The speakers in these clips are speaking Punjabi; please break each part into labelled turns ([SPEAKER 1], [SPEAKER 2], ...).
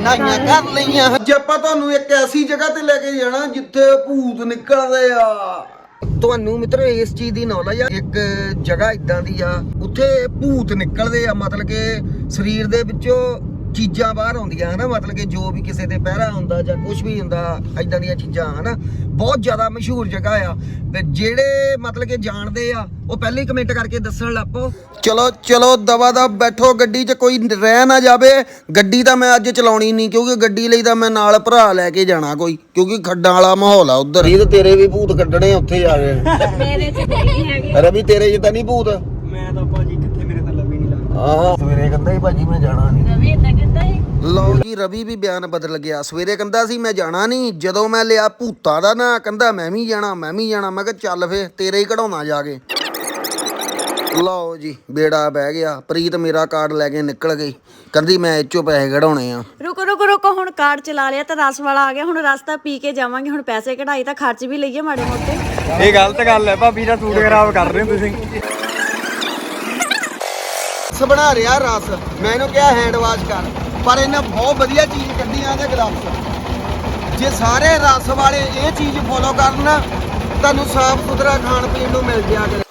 [SPEAKER 1] ਨਾਈਆਂ ਕਰ ਲਈਆਂ। ਅੱਜ ਆਪਾਂ ਤੁਹਾਨੂੰ ਇੱਕ ਐਸੀ ਜਗ੍ਹਾ ਤੇ ਲੈ ਕੇ ਜਾਣਾ ਜਿੱਥੇ ਭੂਤ ਨਿਕਲਦੇ ਆ। ਤੁਹਾਨੂੰ ਮਿੱਤਰੋ ਇਸ ਚੀਜ਼ ਦੀ ਨੌਲੇਜ ਆ, ਇੱਕ ਜਗ੍ਹਾ ਇਦਾਂ ਦੀ ਆ ਉੱਥੇ ਭੂਤ ਨਿਕਲਦੇ ਆ, ਮਤਲਬ ਕਿ ਸਰੀਰ ਦੇ ਵਿੱਚੋਂ ਚੀਜ਼ਾਂ ਬਾਹਰ ਆਉਂਦੀਆਂ ਹਨਾ, ਮਤਲਬ ਕਿ ਜੋ ਵੀ ਕਿਸੇ ਤੇ ਪਹਿਰਾ ਹੁੰਦਾ ਜਾਂ ਕੁਝ ਵੀ ਹੁੰਦਾ ਇਦਾਂ ਦੀਆਂ ਚੀਜ਼ਾਂ ਹਨਾ। ਬਹੁਤ ਜ਼ਿਆਦਾ ਮਸ਼ਹੂਰ ਜਗ੍ਹਾ ਆ ਤੇ ਜਿਹੜੇ ਮਤਲਬ ਕਿ ਜਾਣਦੇ ਆ ਉਹ ਪਹਿਲੇ ਹੀ ਕਮੈਂਟ ਕਰਕੇ ਦੱਸਣ ਲੱਪੋ। ਚਲੋ ਚਲੋ ਦਵਾ ਦਾ ਬੈਠੋ ਗੱਡੀ 'ਚ, ਕੋਈ ਰਹਿ ਨਾ ਜਾਵੇ। ਗੱਡੀ ਤਾਂ ਮੈਂ ਅੱਜ ਚਲਾਉਣੀ ਨਹੀਂ ਕਿਉਂਕਿ ਗੱਡੀ ਲਈ ਤਾਂ ਮੈਂ ਨਾਲ ਭਰਾ ਲੈ ਕੇ ਜਾਣਾ ਕੋਈ, ਕਿਉਂਕਿ ਖੱਡਾਂ ਵਾਲਾ ਮਾਹੌਲ ਆ ਉਧਰ ਹੀ। ਤੇ ਤੇਰੇ ਵੀ ਭੂਤ ਕੱਢਣੇ ਉੱਥੇ ਜਾ ਕੇ।
[SPEAKER 2] ਮੇਰੇ 'ਚ ਨਹੀਂ ਹੈਗੇ।
[SPEAKER 1] ਰਵੀ ਤੇਰੇ 'ਚ ਤਾਂ ਨਹੀਂ ਭੂਤ?
[SPEAKER 3] ਮੈਂ ਤਾਂ ਭਾਜੀ ਕਿੱਥੇ, ਮੇਰੇ ਤਾਂ ਲੱਭੀ ਨਹੀਂ ਲੱਗਦਾ।
[SPEAKER 1] ਆਹ ਸਵੇਰੇ ਕਹਿੰਦਾ ਸੀ ਭਾਜੀ ਮੈਂ ਜਾਣਾ ਨਹੀਂ।
[SPEAKER 2] ਰਵੀ ਇਦਾਂ ਕਹਿੰਦਾ ਸੀ।
[SPEAKER 1] ਲਓ ਜੀ ਰਵੀ ਵੀ ਬਿਆਨ ਬਦਲ ਗਿਆ। ਸਵੇਰੇ ਕਹਿੰਦਾ ਸੀ ਮੈਂ ਜਾਣਾ ਨਹੀਂ, ਜਦੋਂ ਮੈਂ ਲਿਆ ਭੂਤਾਂ ਦਾ ਨਾ ਕਹਿੰਦਾ ਮੈਂ ਵੀ ਜਾਣਾ ਮੈਂ ਵੀ ਜਾਣਾ। ਮੈਂ ਕਿਹਾ ਚੱਲ ਫੇ ਤੇਰੇ ਹੀ ਕਢਾਉਣਾ ਜਾ ਕੇ। ਲਓ ਜੀ ਬੇੜਾ ਬਹਿ ਗਿਆ। ਪ੍ਰੀਤ ਮੇਰਾ ਕਾਰਡ ਲੈ ਕੇ ਨਿਕਲ ਗਈ, ਕਹਿੰਦੀ ਮੈਂ ਇਹ ਚੋਂ ਪੈਸੇ ਕਢਾਉਣੇ ਆ।
[SPEAKER 2] ਰੁਕੋ ਰੁਕੋ ਰੁਕੋ, ਹੁਣ ਕਾਰਡ ਚਲਾ ਲਿਆ ਤਾਂ ਰਸ ਵਾਲਾ ਆ ਗਿਆ। ਹੁਣ ਰਸ ਤਾਂ ਪੀ ਕੇ ਜਾਵਾਂਗੇ। ਹੁਣ ਪੈਸੇ ਕਢਾਈ ਤਾਂ ਖਰਚ ਵੀ ਲਈਏ ਮਾੜੇ ਮੋਟੇ।
[SPEAKER 3] ਇਹ ਗਲਤ ਗੱਲ ਹੈ ਭਾਬੀ ਦਾ ਸੂਟ ਖਰਾਬ ਕਰ ਰਹੇ ਹੋ ਤੁਸੀਂ।
[SPEAKER 1] ਰਸ ਬਣਾ ਰਿਹਾ ਰਸ, ਮੈਂ ਇਹਨੂੰ ਕਿਹਾ ਹੈਂਡ ਵਾਸ਼ ਕਰ, ਪਰ ਇਹਨੇ ਬਹੁਤ ਵਧੀਆ ਚੀਜ਼ ਕੱਢੀ ਆ ਇਹਦੇ ਗਲਾਸ। ਜੇ ਸਾਰੇ ਰਸ ਵਾਲੇ ਇਹ ਚੀਜ਼ ਫੋਲੋ ਕਰਨ ਤੁਹਾਨੂੰ ਸਾਫ ਸੁਥਰਾ ਖਾਣ ਪੀਣ ਨੂੰ ਮਿਲ ਜਾ ਕਰੇ।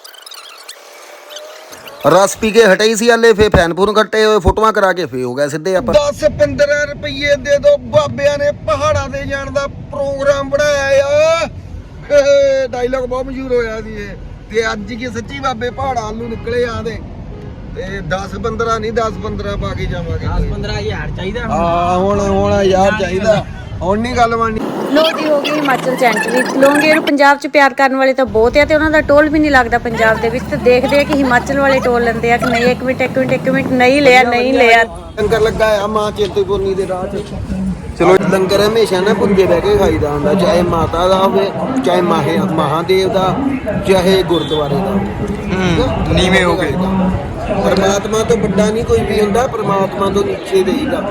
[SPEAKER 1] ਰਸ ਪੀ ਕੇ ਹਟੇ ਸੀ ਹਲੇ, ਫੇ ਫੈਨਪੂਰ ਕੱਟੇ ਹੋਏ ਫੋਟੋਆਂ ਕਰਾ ਕੇ ਫੇ ਹੋ ਗਿਆ ਸਿੱਧੇ ਆਪਾਂ। 10-15 ਰੁਪਏ ਦੇ ਦੋ, ਬਾਬਿਆਂ ਨੇ ਪਹਾੜਾਂ ਤੇ ਜਾਣ ਦਾ ਪ੍ਰੋਗਰਾਮ ਬਣਾਇਆ ਆ। ਡਾਇਲੌਗ ਬਹੁਤ ਮਸ਼ਹੂਰ ਹੋਇਆ ਸੀ ਇਹ। ਤੇ ਅੱਜ ਕੀ ਸੱਚੀ ਬਾਬੇ ਪਹਾੜਾਂ ਨੂੰ ਨਿਕਲੇ ਆਦੇ ਤੇ 10-15 ਨਹੀਂ 10-15 ਪਾ ਕੇ ਜਾਵਾਂਗੇ।
[SPEAKER 3] 10-15 ਹਜ਼ਾਰ ਚਾਹੀਦਾ।
[SPEAKER 1] ਹਾਂ ਹੁਣ ਯਾਰ ਚਾਹੀਦਾ, ਹੁਣ ਨਹੀਂ ਗੱਲ ਬਣਨੀ।
[SPEAKER 2] ਲੋਕੀ ਹੋ ਗਈ ਹਿਮਾਚਲ ਚ ਐਂਟਰੀ। ਲੋਂਗੇ ਨੂੰ ਪੰਜਾਬ ਚ ਪਿਆਰ ਕਰਨ ਵਾਲੇ ਤਾਂ ਬਹੁਤ ਆ ਤੇ ਉਹਨਾਂ ਦਾ ਟੋਲ ਵੀ ਨਹੀਂ ਲੱਗਦਾ ਪੰਜਾਬ ਦੇ ਵਿੱਚ। ਤੇ ਦੇਖਦੇ ਆ ਕਿ ਹਿਮਾਚਲ ਵਾਲੇ ਟੋਲ ਲੈਂਦੇ ਆ ਕਿ ਨਹੀਂ। ਇੱਕ ਮਿੰਟ ਨਹੀਂ ਲਿਆ
[SPEAKER 1] ਲੰਗਰ ਲੱਗਾ ਆ ਮਾਂ ਚਿੰਤਪੁਰਨੀ ਦੇ ਰਾਹ 'ਚ। ਚਲੋ ਲੰਗਰ ਹਮੇਸ਼ਾ ਨਾ ਭੁੰਜੇ ਬਹਿ ਕੇ ਖਾਈਦਾ ਹੁੰਦਾ, ਚਾਹੇ ਮਾਤਾ ਦਾ ਹੋਵੇ, ਚਾਹੇ ਮਹਾਦੇਵ ਦਾ, ਚਾਹੇ ਗੁਰਦੁਆਰੇ ਦਾ।
[SPEAKER 3] ਨੀਵੇਂ ਹੋ ਕੇ
[SPEAKER 1] ਪਰਮਾਤਮਾ ਤੋਂ ਵੱਡਾ ਨਹੀਂ ਕੋਈ ਵੀ ਹੁੰਦਾ, ਪਰਮਾਤਮਾ ਤੋਂ ਨੀਚੇ ਦੇਈਦਾ।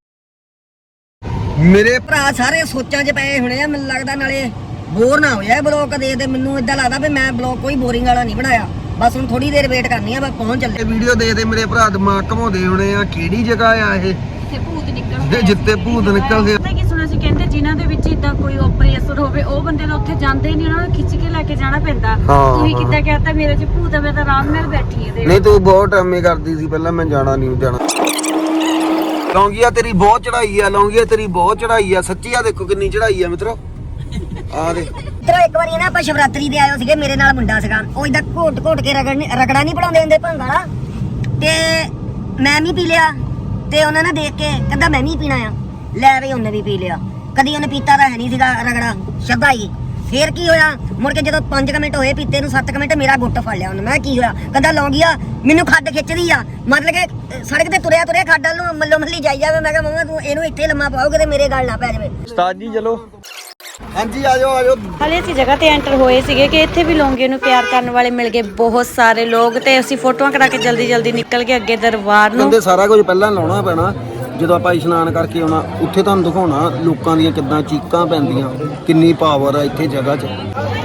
[SPEAKER 1] ਮੇਰੇ
[SPEAKER 4] ਭਰਾ ਸਾਰੇ ਸੋਚਾਂ 'ਚ ਪਏ ਹੋਣੇ ਆ ਮੈਨੂੰ ਲੱਗਦਾ। ਨਾਲੇ ਬੋਰ ਨਾ ਹੋ ਜਾਏ ਬਲੌਗ ਦੇ ਤੇ ਮੈਨੂੰ ਇਦਾਂ ਲੱਗਦਾ ਵੀ ਮੈਂ ਬਲੌਗ ਕੋਈ ਬੋਰਿੰਗ ਵਾਲਾ ਨਹੀਂ ਬਣਾਇਆ। ਬਸ ਹੁਣ ਥੋੜੀ ਦੇਰ ਵੇਟ ਕਰਨੀ ਆ, ਬਸ ਪਹੁੰਚ ਚੱਲੇ।
[SPEAKER 1] ਇਹ ਵੀਡੀਓ ਦੇ ਮੇਰੇ ਭਰਾ ਦਿਮਾਗ ਘਮਾਉਂਦੇ ਹੋਣੇ ਆ, ਕਿਹੜੀ ਜਗ੍ਹਾ ਆ ਇਹ
[SPEAKER 2] ਜਿੱਥੇ ਭੂਤ ਨਿਕਲਦੇ।
[SPEAKER 1] ਜਿੱਥੇ ਭੂਤ ਨਿਕਲਦੇ।
[SPEAKER 2] ਪਤਾ ਕੀ ਸੁਣਿਆ ਸੀ, ਕਹਿੰਦੇ ਜਿਨ੍ਹਾਂ ਦੇ ਵਿੱਚ ਇਦਾਂ ਕੋਈ ਓਪਰੇਸ਼ਨ ਹੋਵੇ ਉਹ ਬੰਦੇ ਨੂੰ ਉੱਥੇ ਜਾਂਦੇ ਹੀ ਨਹੀਂ, ਉਹਨਾਂ ਨੂੰ ਖਿੱਚ ਕੇ ਲੈ ਕੇ ਜਾਣਾ ਪੈਂਦਾ। ਤੁਸੀਂ ਕਿੱਦਾਂ ਕਹਿਤਾ ਮੇਰੇ 'ਚ ਭੂਤ ਆ, ਮੈਂ ਤਾਂ ਆਰਾਮ ਨਾਲ ਬੈਠੀ ਆ।
[SPEAKER 1] ਨਹੀਂ ਤੂੰ ਬਹੁਤ ਡਰਾਮੇ ਕਰਦੀ ਸੀ ਪਹਿਲਾਂ, ਮੈਂ ਜਾਣਾ ਨਹੀਂ ਜਾਣਾ। ਲੌਂਗੀਆ ਤੇਰੀ ਬਹੁਤ ਚੜਾਈ ਆ, ਲੌਂਗੀਆ ਤੇਰੀ ਬਹੁਤ ਚੜਾਈ ਆ ਸੱਚੀ। ਆ ਦੇਖੋ ਕਿੰਨੀ ਚੜਾਈ ਆ ਮਿੱਤਰੋ, ਆ ਦੇ।
[SPEAKER 4] ਇਧਰ ਇੱਕ ਵਾਰੀ ਨਾ ਆਪਾਂ ਸ਼ਿਵਰਾਤਰੀ ਦੇ ਆਇਓ ਸੀਗੇ, ਮੇਰੇ ਨਾਲ ਮੁੰਡਾ ਸੀਗਾ। ਉਹ ਇਦਾਂ ਘੋਟ ਕੇ ਰਗੜਾ ਨਹੀਂ ਪੜਾਉਂਦੇ ਹੁੰਦੇ ਭੰਗ ਵਾਲਾ, ਤੇ ਮੈਂ ਵੀ ਪੀ ਲਿਆ। ਤੇ ਉਹਨਾਂ ਨੇ ਦੇਖ ਕੇ ਕਹਿੰਦਾ ਮੈਂ ਵੀ ਪੀਣਾ ਆ। ਲੈ ਵੀ ਉਹਨੇ ਵੀ ਪੀ ਲਿਆ। ਕਦੀ ਉਹਨੇ ਪੀਤਾ ਤਾਂ ਹੈ ਨਹੀਂ ਸੀਗਾ ਰਗੜਾ, ਸ਼ਰਧਾਈ। ਫੇਰ ਕੀ ਹੋਇਆ, ਮੁੜ ਕੇ ਜਦੋਂ 5 ਮਿੰਟ ਹੋਏ ਪੀਤੇ ਨੂੰ, 7 ਮਿੰਟ ਮੇਰਾ ਗੁੱਟ ਫੜ ਲਿਆ ਉਹਨੇ। ਮੈਂ ਕੀ ਹੋਇਆ, ਕਹਿੰਦਾ ਲੌਂਗੀਆ ਮੈਨੂੰ ਖੱਡ ਖਿੱਚਦੀ ਆ। ਮਤਲਬ ਕਿ ਸੜਕ ਤੇ ਤੁਰਿਆ ਖੱਡ ਵੱਲ ਨੂੰ ਮੱਲੋ ਮੱਲੀ ਜਾਈ ਜਾਵੇ। ਮੈਂ ਕਿਹਾ ਮੰਮਾ ਤੂੰ ਇਹਨੂੰ ਇੱਥੇ ਲੰਮਾ ਪਾਓਗੇ ਤੇ ਮੇਰੇ ਗੱਲ ਨਾ ਪੈ ਜਾਵੇ।
[SPEAKER 3] ਉਸਤਾਦ ਜੀ ਚਲੋ।
[SPEAKER 1] ਹਾਂਜੀ ਆ ਜਾਓ।
[SPEAKER 2] ਹਾਲੇ ਅਸੀਂ ਜਗ੍ਹਾ ਤੇ ਐਂਟਰ ਹੋਏ ਸੀਗੇ ਕਿ ਇੱਥੇ ਵੀ ਲੋਂਗੇ ਨੂੰ ਪਿਆਰ ਕਰਨ ਵਾਲੇ ਮਿਲ ਗਏ ਬਹੁਤ ਸਾਰੇ ਲੋਕ। ਤੇ ਅਸੀਂ ਫੋਟੋਆਂ ਕਰਾ ਕੇ ਜਲਦੀ ਨਿਕਲ ਗਏ ਅੱਗੇ ਦਰਬਾਰ ਨੂੰ।
[SPEAKER 1] ਕਹਿੰਦੇ ਸਾਰਾ ਕੁਝ ਪਹਿਲਾਂ ਲਾਉਣਾ ਪੈਣਾ, ਜਦੋਂ ਆਪਾਂ ਇਸ਼ਨਾਨ ਕਰਕੇ ਆਉਣਾ ਉੱਥੇ ਤੁਹਾਨੂੰ ਦਿਖਾਉਣਾ ਲੋਕਾਂ ਦੀਆਂ ਕਿੱਦਾਂ ਚੀਕਾਂ ਪੈਂਦੀਆਂ, ਕਿੰਨੀ ਪਾਵਰ ਆ ਇੱਥੇ ਜਗ੍ਹਾ 'ਚ।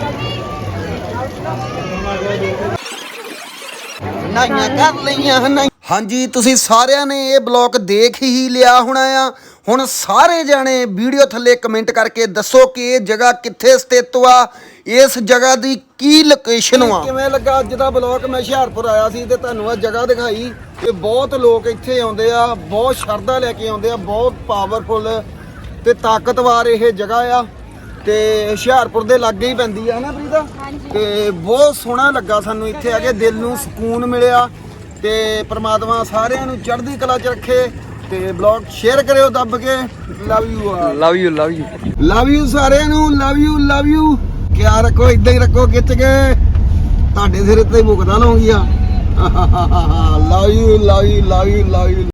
[SPEAKER 1] ਨਾਈਆਂ ਕਰ ਲਈਆਂ। ਹਾਂਜੀ ਤੁਸੀਂ ਸਾਰਿਆਂ ਨੇ ਇਹ ਬਲੌਗ ਦੇਖ ਹੀ ਲਿਆ ਹੋਣਾ ਆ। ਹੁਣ ਸਾਰੇ ਜਾਣੇ ਵੀਡੀਓ ਥੱਲੇ ਕਮੈਂਟ ਕਰਕੇ ਦੱਸੋ ਕਿ ਇਹ ਜਗ੍ਹਾ ਕਿੱਥੇ ਸਥਿਤ ਆ, ਇਸ ਜਗ੍ਹਾ ਦੀ ਕੀ ਲੋਕੇਸ਼ਨ ਆ। ਕਿਵੇਂ ਲੱਗਾ ਅੱਜ ਦਾ ਬਲੌਗ? ਮੈਂ ਹੁਸ਼ਿਆਰਪੁਰ ਆਇਆ ਸੀ ਤੇ ਤੁਹਾਨੂੰ ਇਹ ਜਗ੍ਹਾ ਦਿਖਾਈ। ਤੇ ਬਹੁਤ ਲੋਕ ਇੱਥੇ ਆਉਂਦੇ ਆ, ਬਹੁਤ ਸ਼ਰਧਾ ਲੈ ਕੇ ਆਉਂਦੇ ਆ, ਬਹੁਤ ਪਾਵਰਫੁਲ ਤੇ ਤਾਕਤਵਰ ਇਹ ਜਗ੍ਹਾ ਆ। ਤੇ ਹੁਸ਼ਿਆਰਪੁਰ ਦੇ ਲਾਗੇ ਹੀ ਪੈਂਦੀ ਆ ਨਾ ਪ੍ਰੀਤਾ। ਤੇ ਬਹੁਤ ਸੋਹਣਾ ਲੱਗਾ ਸਾਨੂੰ ਇੱਥੇ ਆ ਕੇ, ਦਿਲ ਨੂੰ ਸਕੂਨ ਮਿਲਿਆ। ਤੇ ਪ੍ਰਮਾਤਮਾ ਸਾਰਿਆਂ ਨੂੰ ਚੜ੍ਹਦੀ ਕਲਾ 'ਚ ਰੱਖੇ। ਤੇ ਬਲੌਗ ਸ਼ੇਅਰ ਕਰਿਓ ਦੱਬ ਕੇ। ਲਵ ਯੂ ਸਾਰਿਆਂ ਨੂੰ। Love you. ਕਿਆ ਰੱਖੋ, ਇਦਾਂ ਹੀ ਰੱਖੋ ਖਿੱਚ ਕੇ, ਤੁਹਾਡੇ ਸਿਰ ਤੇ ਮੁਕਦਾ ਲਾਉਂਗੀ ਆ। Love you.